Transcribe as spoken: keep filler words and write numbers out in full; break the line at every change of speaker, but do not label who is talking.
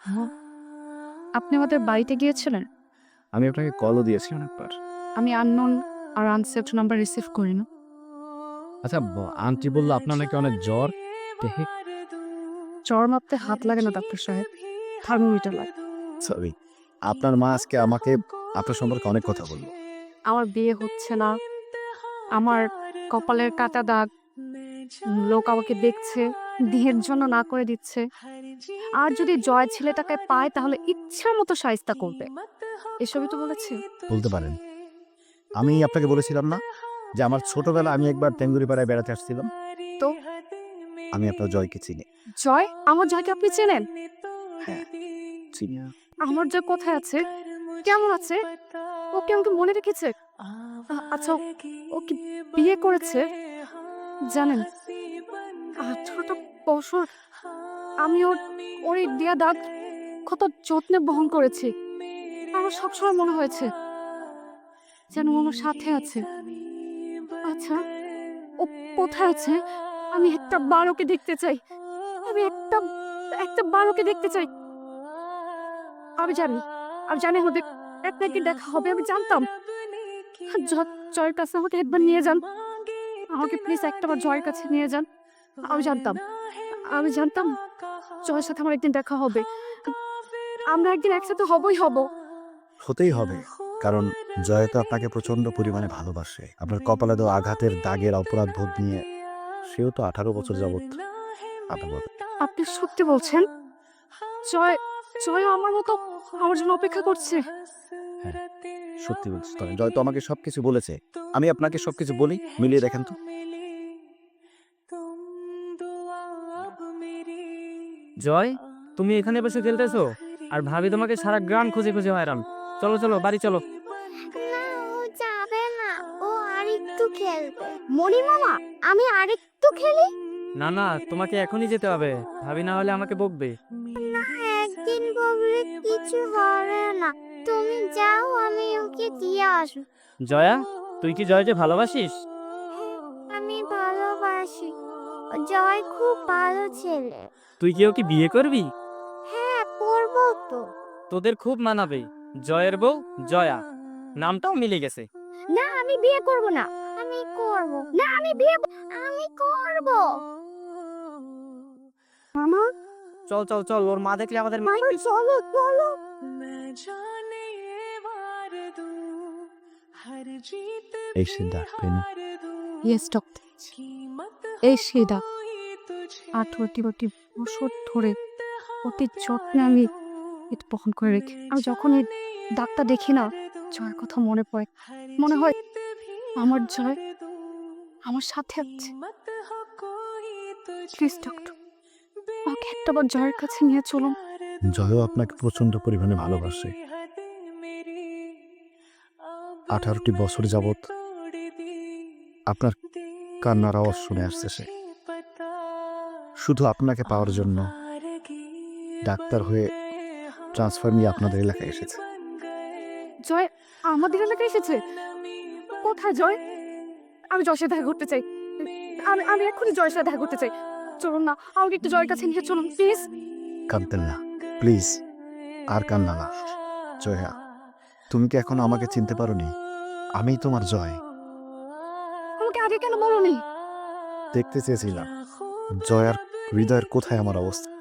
ও, আপনি আমাদের বাড়িতে গিয়েছিলেন?
আমি আপনাকে কলও দিয়েছি অনেকবার।
আমি আননোন আর আনসেভড নাম্বার রিসিভ করি না।
আচ্ছা, ব আন্টি বলল আপনার নাকি অনেক জ্বর। দেখি।
জ্বর মাপতে হাত লাগে না ডাক্তার সাহেব, থার্মোমিটার লাগে।
সরি। আপনার মা আজকে আমাকে আপনার সম্পর্কে অনেক কথা বলল।
আমার বিয়ে হচ্ছে না, আমার কপালের কাটা দাগ, উম, লোক আমাকে দেখছে, বিয়ের জন্য না করে দিচ্ছে। আর যদি জয় ছেলেটাকে পায় তাহলে ইচ্ছার মতো শায়েস্তা করবে, এসবই তো বলেছে।
বলতে পারেন। আমি আপনাকে বলেছিলাম না যে আমার ছোটবেলায় আমি একবার টেঙ্গুরিপাড়ায় বেড়াতে আসছিলাম?
তো
আমি আপনার জয়কে চিনি।
জয়, আমার জয়কে আপনি চেনেন?
হ্যাঁ, চিনি।
আমার জয় কোথায় আছে, কেমন আছে, ও কি আমাকে মনে রেখেছে? আ- আচ্ছা, ও ও কি বিয়ে করেছে? জানেন, আঠারোটা বছর আমি ওর ওর এই দেয়া দাগ কত যত্নে বহন করেছি। আমার সবসময় মনে হয়েছে যেন ও আমার সাথে আছে। আচ্ছা, ও কোথায় আছে? আমি একটা বার ওকে দেখতে চাই। আমি একটা একটা বার ওকে দেখতে চাই। আমি জানি, আমি জানি আমাদের এক না একদিন দেখা হবে। আমি জানতাম। জ- জয়ের কাছে আমাকে একবার নিয়ে যান, আমাকে প্লিজ একটা বার জয়ের কাছে নিয়ে যান। আমি জানতাম, আমি জানতাম জয়ের সাথে আমার একদিন দেখা হবে। আমরা একদিন একসাথে হবই হব।
হতেই হবে। কারণ জয় তো আপনাকে প্রচন্ড পরিমাণে ভালোবাসে। আপনার কপালে দেওয়া আঘাতের দাগের অপরাধ বোধ নিয়ে সেও তো আঠারো বছর যাবৎ আপনার মতো।
আপনি সত্যি বলছেন? জয় জয় আমার মতো আমার জন্য অপেক্ষা করছে?
হ্যাঁ, সত্যি বলছি। তবে জয় তো আমাকে সবকিছু বলেছে। আমি আপনাকে সবকিছু বলি, মিলিয়ে দেখেন তো।
জয়, তুমি এখানে বসে খেলতেছো আর ভাবি তোমাকে সারা গ্রাম খুঁজে খুঁজে হয়রান। চলো চলো বাড়ি চলো।
না, ও যাবে না। ও আরেকটু খেলবে। মণি মামা, আমি আরেকটু খেলি।
না না, তোমাকে এখনই যেতে হবে, ভাবি না হলে আমাকে বকবে।
না, একদিন বললে কিছু হবে না। তুমি যাও, আমি ওকে দিয়ে আসবো।
জয়া, তুই কি জয়কে ভালোবাসিস?
আমি ভালোবাসি। ও জয় খুব ভালো ছেলে।
তুই কি ওকে বিয়ে করবি?
হ্যাঁ, করবো তো।
তোদের খুব মানাবে। জয়ের বউ জয়া, নামটাও মিলে গেছে।
না, আমি বিয়ে করব না। আমি করব না, আমি বিয়ে আমি করব। মামা,
চল চল চল, ওর মা দেখলে আমাদের
মামা, চলো চলো।
এই সে ডাক পেনি।
ইয়েস ডক্টর, এই সেই দাগ। আঠারোটি বাটি বছর ধরে অতি যত্নে আমি এটা বহন করে রেখে, আমি যখন এই দাগটা দেখি না, জয়ের কথা মনে পড়ে। মনে হয় আমার জয় আমার সাথে আছে। প্লিজ ডক্টর, আমাকে একটাবার জয়ের কাছে নিয়ে চলুন।
জয়ও আপনাকে প্রচন্ড পরিমাণে ভালোবাসে। আঠারোটি বছর যাবৎ আপনার কান্নার আওয়াজ শুনে আসছে সে। শুধু আপনাকে পাওয়ার জন্য ডাক্তার হয়ে ট্রান্সফার নিয়ে আপনাদের এলাকায় এসেছে।
জয় আমাদের এলাকায় এসেছে? কোথায় জয়? আমি জয়ের সাথে দেখা করতে চাই। আমি আমি এক্ষুনি জয়ের সাথে দেখা করতে চাই। চলুন না, আমাকে একটু জয়ের কাছে নিয়ে চলুন প্লিজ।
কাঁদতেন না, প্লিজ। আর কান্না না। জয়া, তুমি কি এখনো আমাকে চিনতে পারোনি? আমিই তোমার জয়।
আমাকে আগে কেন বলনি?
দেখতে চেয়েছিলাম জয়ার হৃদয়ের কোথায় আমার অবস্থা।